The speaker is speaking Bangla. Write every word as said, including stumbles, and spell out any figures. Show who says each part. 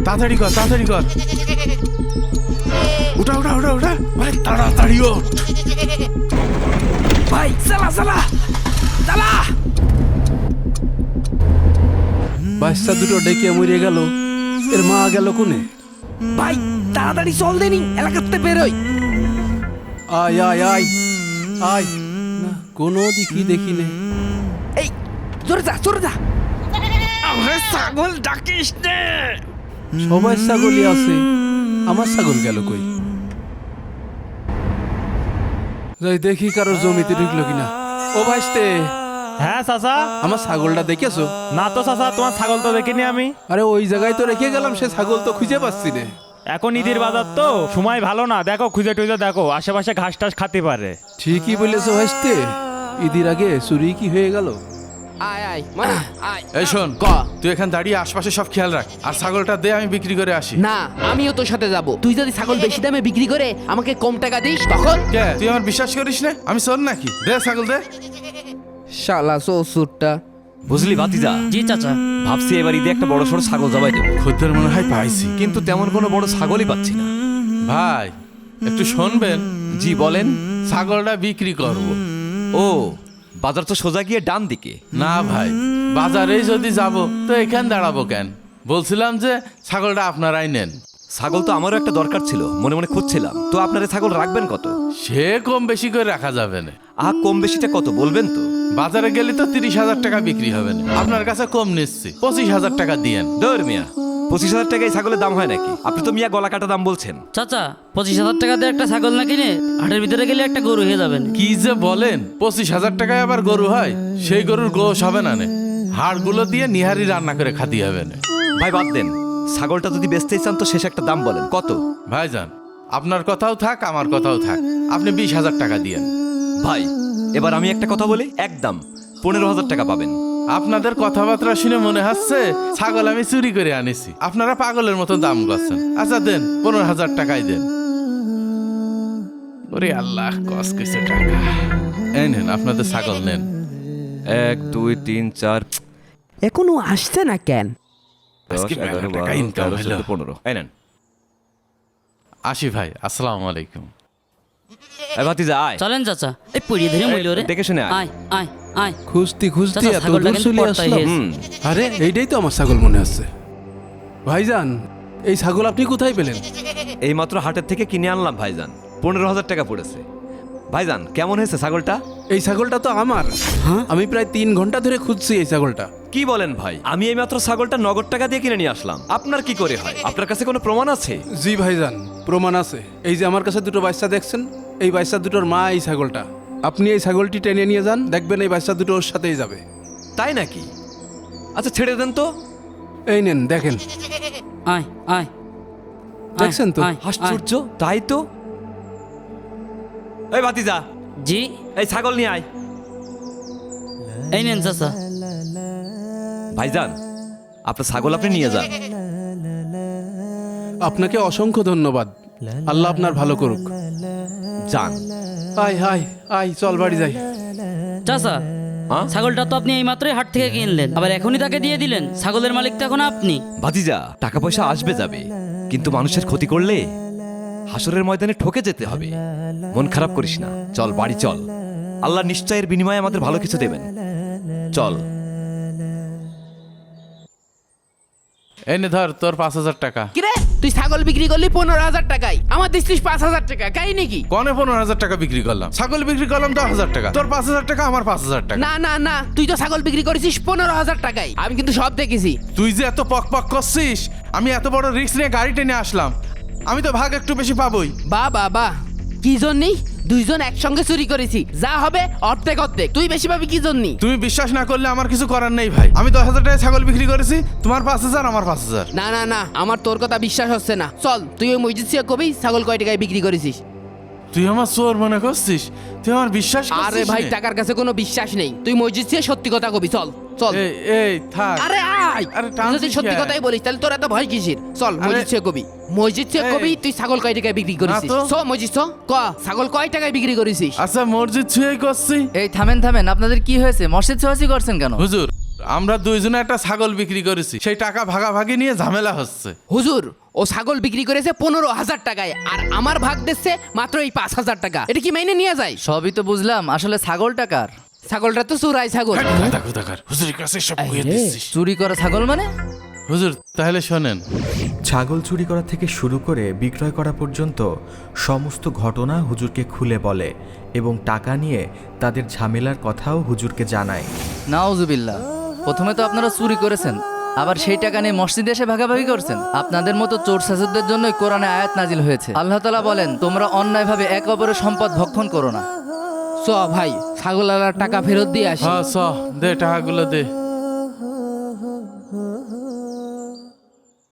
Speaker 1: তাড়াতাড়ি কর তাড়াতাড়ি কর উঠা উঠা উঠা উঠা ভাই তাড়াতাড়ি ওঠ
Speaker 2: ভাই চালা চালা চালা।
Speaker 3: বাচ্চা দুটো ডেকে মরে গেল, এর মা গেল কোনে?
Speaker 2: ভাই তাড়াতাড়ি চল দেনি, এলাকাতে বেরোই।
Speaker 3: আয় আয় আয় আয় না, কোনো দিকই দেখি নে।
Speaker 2: এই জোরে যা জোরে যা। আমরা ছাগল ডাকিস নে।
Speaker 3: সবাই ছাগলই আছে, আমার ছাগল গেল কই? যাই দেখি কারোর জমিতে ঢুকলো কিনা। ও ভাইস্তে,
Speaker 4: হ্যাঁ চাচা।
Speaker 3: আমার ছাগলটা দেখেছো?
Speaker 4: না তো চাচা, তোমার ছাগল তো দেখিনি আমি।
Speaker 3: আরে ওই জায়গায় তো রেখে গেলাম, সে ছাগল তো খুঁজে পাচ্ছি না।
Speaker 4: এখন ঈদের বাজার তো, সময় ভালো না, দেখো খুঁজে টুজে দেখো, আশেপাশে ঘাস টাস খাতে পারে।
Speaker 3: ঠিকই বলেছো ভাইস্তে, ঈদের আগে চুরি কি হয়ে গেল?
Speaker 2: আয় আয় মানে আয়।
Speaker 1: এই শোন
Speaker 2: ক।
Speaker 1: তুই এখান দাঁড়িয়ে আশপাশে সব খেয়াল রাখ, আর ছাগলটা দে আমি বিক্রি করে আসি।
Speaker 2: না আমিও তোর সাথে যাব। তুই যদি ছাগল বেশি দামে বিক্রি করে আমাকে কম টাকা দিস তখন?
Speaker 1: কে তুই আমার বিশ্বাস করিস না? আমি শোন নাকি? দে ছাগল দে।
Speaker 2: শালা শ্বশুরটা।
Speaker 5: বুঝলি ভাতিজা?
Speaker 6: জি চাচা।
Speaker 5: ভাবছি এবার ঈদে একটা বড় সড়ো ছাগল জবাই দেবো,
Speaker 1: খদ্দের মনে হয় পাইছি।
Speaker 5: কিন্তু তেমন কোনো বড় ছাগলই পাচ্ছি না।
Speaker 1: ভাই একটু শুনবেন?
Speaker 5: জি বলেন।
Speaker 1: ছাগলটা বিক্রি করব।
Speaker 5: ও, বাজার তো সোজা গিয়ে ডান দিকে।
Speaker 1: না ভাই, বাজারে যদি যাব তো এখান দাঁড়াবো কেন? বলছিলাম যে ছাগলটা আপনারাই নেন।
Speaker 5: ছাগল তো আমারও একটা দরকার ছিল, মনে মনে খুঁজছিলাম। তো আপনারা ছাগল রাখবেন কত?
Speaker 1: সে কম বেশি করে রাখা যাবে না।
Speaker 5: আহ, কম বেশিটা কত বলবেন তো?
Speaker 1: বাজারে গেলে তো তিরিশ হাজার টাকা বিক্রি হবে না, আপনার কাছে কম নিচ্ছি, পঁচিশ হাজার টাকা দিয়েন।
Speaker 5: দৌড় মিয়া, পঁচিশ হাজার টাকায় ছাগলের দাম হয় নাকি? আপনি তো মিয়া গলা কাটা দাম বলছেন।
Speaker 6: চাচা পঁচিশ হাজার টাকা দিয়ে একটা ছাগল না কিনে হাটের ভিতরে গেলে একটা গরু হয়ে যাবেন।
Speaker 1: কি যে বলেন, পঁচিশ হাজার টাকায় আবার গরু হয়? সেই গরুর গোশ হবে না নে, হাড়গুলো দিয়ে নিহারি রান্না করে খাতি হবে না।
Speaker 5: ভাই বাদ দেন, ছাগলটা যদি বেচতেই চান তো শেষ একটা দাম বলেন, কত?
Speaker 1: ভাইজান আপনার কথাও থাক আমার কথাও থাক, আপনি বিশ হাজার টাকা দিয়েন।
Speaker 5: ভাই এবার আমি একটা কথা বলি, একদম পনেরো হাজার টাকা পাবেন।
Speaker 1: আপনাদের কথাবার্তা শুনে মনে হচ্ছে ছাগল আমি চুরি করে আনিছি, আপনারা পাগলের মতো দাম করছেন। আচ্ছা দেন, পনেরো হাজার টাকাই দেন। ওরে আল্লাহ, কস কিছু টাকা। এই নেন আপনাদের ছাগল নেন।
Speaker 5: এক দুই তিন চার
Speaker 2: এখনো আসছে না কেন?
Speaker 5: দশ
Speaker 1: আজকে
Speaker 5: এগারো
Speaker 1: মেলা টাকা
Speaker 5: বারো
Speaker 1: income
Speaker 5: তেরো
Speaker 1: হলো।
Speaker 5: চোদ্দ পনেরো। এই নেন।
Speaker 1: আসি ভাই, আসসালামু আলাইকুম।
Speaker 5: এই ভাতিজা আয়।
Speaker 6: চলেন চাচা, এই পড়িয়ে ধরে মইল রে।
Speaker 5: দেখে শুনে আয়।
Speaker 6: আয় আয় আয়।
Speaker 3: খুঁজতে খুঁজতে
Speaker 6: চাচা,
Speaker 3: এত
Speaker 6: ছাগলটা
Speaker 3: দূর
Speaker 6: কিন্তু
Speaker 3: চলে
Speaker 6: পর্দায়
Speaker 3: আসলাম।
Speaker 6: হয়েছে।
Speaker 5: হুম,
Speaker 3: আরে এইটাই তো আমার ছাগল মনে হচ্ছে। ভাইজান, এই ছাগল আপনি কোথায় পেলেন?
Speaker 5: এই মাত্র হাটের থেকে কিনে আনলাম ভাইজান, পনেরো হাজার টাকা পড়েছে। ভাইজান কেমন হয়েছে ছাগলটা?
Speaker 3: এই ছাগলটা তো আমার। আমি প্রায় তিন ঘন্টা ধরে খুঁজছি এই ছাগলটা।
Speaker 5: কি বলেন ভাই? আমি এই মাত্র ছাগলটা নগদ টাকা দিয়ে কিনে নিয়ে আসলাম। আপনার কি করে হয়? আপনার কাছে কোনো প্রমাণ আছে?
Speaker 3: জি ভাইজান, প্রমাণ আছে। এই যে আমার কাছে দুটো বাচ্চা দেখছেন, এই বাচ্চা দুটোর মা এই ছাগলটা। আপনি এই ছাগলটি টেনে নিয়ে যান, দেখবেন এই বাচ্চা দুটো ওর সাথেই যাবে।
Speaker 5: তাই নাকি? আচ্ছা ছেড়ে দেন তো।
Speaker 3: এই নেন দেখেন,
Speaker 6: আয় আয়।
Speaker 3: দেখছেন তো?
Speaker 6: আয়, আয়।
Speaker 5: আশ্চর্য, তাই তো। এই ভাতিজা,
Speaker 6: জি,
Speaker 5: এই ছাগল নিয়ে আয়।
Speaker 6: এই নেন চাচা।
Speaker 5: ভাইজান আপনার ছাগল আপনি নিয়ে যান।
Speaker 3: আপনাকে অসংখ্য ধন্যবাদ। আল্লাহ আপনার ভালো করুক।
Speaker 5: যান।
Speaker 3: আয় আয় আয়, চল বাড়ি যাই।
Speaker 6: চাচা,
Speaker 5: হ্যাঁ?
Speaker 6: ছাগলটা তো আপনি এই মাত্রই হাট থেকে কিনলেন, আবার এখনই তাকে দিয়ে দিলেন। ছাগলের মালিক তো এখন আপনি।
Speaker 5: ভাতিজা, টাকা পয়সা আসবে যাবে, কিন্তু মানুষের ক্ষতি করলে হাসরের ময়দানে ঠকে যেতে হবে। মন খারাপ করিস না, চল বাড়ি চল। আল্লাহ নিশ্চয়ের বিনিময়ে আমাদের ভালো কিছু দেবেন। চল।
Speaker 1: এই নে ধর তোর পাঁচ হাজার টাকা।
Speaker 2: কিরে তুই ছাগল বিক্রি করলি পনেরো হাজার টাকায়, আমার দিচ্ছিস পাঁচ হাজার টাকা, কাই নাকি?
Speaker 1: কনে পনেরো হাজার টাকা বিক্রি করলাম, ছাগল বিক্রি করলাম দশ হাজার টাকা। তোর পাঁচ হাজার টাকা, আমার পাঁচ হাজার টাকা।
Speaker 2: না না না, তুই তো ছাগল বিক্রি করেছিস পনেরো হাজার টাকায়, আমি কিন্তু সব দেখেছি।
Speaker 1: তুই যে এত পক পক করছিস, আমি এত বড় রিস্ক নিয়ে গাড়ি টেনে আসলাম, আমি তো ভাগ একটু বেশি পাবোই।
Speaker 2: বা বাবা, কি জন্যই দুইজন একসঙ্গে চুরি করেছি, যা হবে অর্ধেক অর্ধেক। তুই বেশি পাবি কি জন্যই?
Speaker 1: তুমি বিশ্বাস না করলে আমার কিছু করার নেই ভাই। আমি দশ হাজার টাকায় ছাগল বিক্রি করেছি, তোমার পাঁচ হাজার আমার পাঁচ হাজার।
Speaker 2: না না না, আমার তোর কথা বিশ্বাস হচ্ছে না। চল তুই ওই মসজিদ থেকে কবি ছাগল কয় টাকায় বিক্রি করেছিস।
Speaker 1: তুই আমার চোর মনে করছিস? তুই আমার বিশ্বাস
Speaker 2: আরে
Speaker 1: করছিস
Speaker 2: ভাই,
Speaker 1: নে?
Speaker 2: টাকার কাছে কোনো বিশ্বাস নেই। তুই মসজিদ থেকে সত্যি কথা কবি, চল চল।
Speaker 1: এই এই থাক।
Speaker 2: আরে আয়,
Speaker 1: আরে
Speaker 2: তুই
Speaker 1: টানছিস
Speaker 2: যদি সত্যি
Speaker 1: কেন?
Speaker 2: কথাই বলিস তাহলে তোর এত ভয় কিসের? চল
Speaker 1: আরে-
Speaker 2: মসজিদ থেকে কবি, মসজিদ থেকে
Speaker 1: এই।
Speaker 2: কবি তুই ছাগল কয় টাকায় বিক্রি করেছিস।
Speaker 1: তো।
Speaker 2: চ মসজিদ চ, ক ছাগল কয় টাকায় বিক্রি করেছিস।
Speaker 1: আচ্ছা মসজিদ ছুঁয়েই করছি।
Speaker 7: এই থামেন থামেন, আপনাদের কি হয়েছে? মসজিদ ছোঁয়াছি করছেন কেন?
Speaker 1: হুজুর আমরা দুইজনে একটা ছাগল বিক্রি করেছি, সেই টাকা ভাগাভাগি নিয়ে ঝামেলা হচ্ছে।
Speaker 2: হুজুর, ও ছাগল বিক্রি করেছে পনেরো হাজার টাকায়, আর আমার ভাগ দিচ্ছে মাত্র এই পাঁচ হাজার টাকা। এটা কি মাইনে নিয়ে যায়?
Speaker 7: সবই তো বুঝলাম, আসলে ছাগল টাকার।
Speaker 2: ছাগলটা তো চুরাই ছাগল।
Speaker 1: গাদা কোথাকার, হুজুরের কাছে সব কইয়ে দিচ্ছিস।
Speaker 7: চুরি করা ছাগল মানে?
Speaker 1: হুজুর তাহলে শোনেন,
Speaker 8: ছাগল চুরি করা থেকে শুরু করে বিক্রয় করা পর্যন্ত সমস্ত ঘটনা হুজুরকে খুলে বলে এবং টাকা নিয়ে তাদের ঝামেলার কথাও হুজুরকে জানায়।
Speaker 7: নাউজুবিল্লাহ, প্রথমে তো আপনারা চুরি করেছেন, আবার সেই টাকা নিয়ে মসজিদে এসে ভাগাভাগি করছেন। আপনাদের মতো চোর শাসকদের জন্যই কোরআনে আয়াত নাজিল হয়েছে। আল্লাহ তাআলা বলেন, তোমরা অন্যায়ভাবে এক অপরের সম্পদ ভক্ষণ করো না।
Speaker 2: চ ভাই, ছাগল আলার টাকা ফেরত দিয়ে আসি।
Speaker 1: হ্যাঁ চ দে টাকাগুলো দে।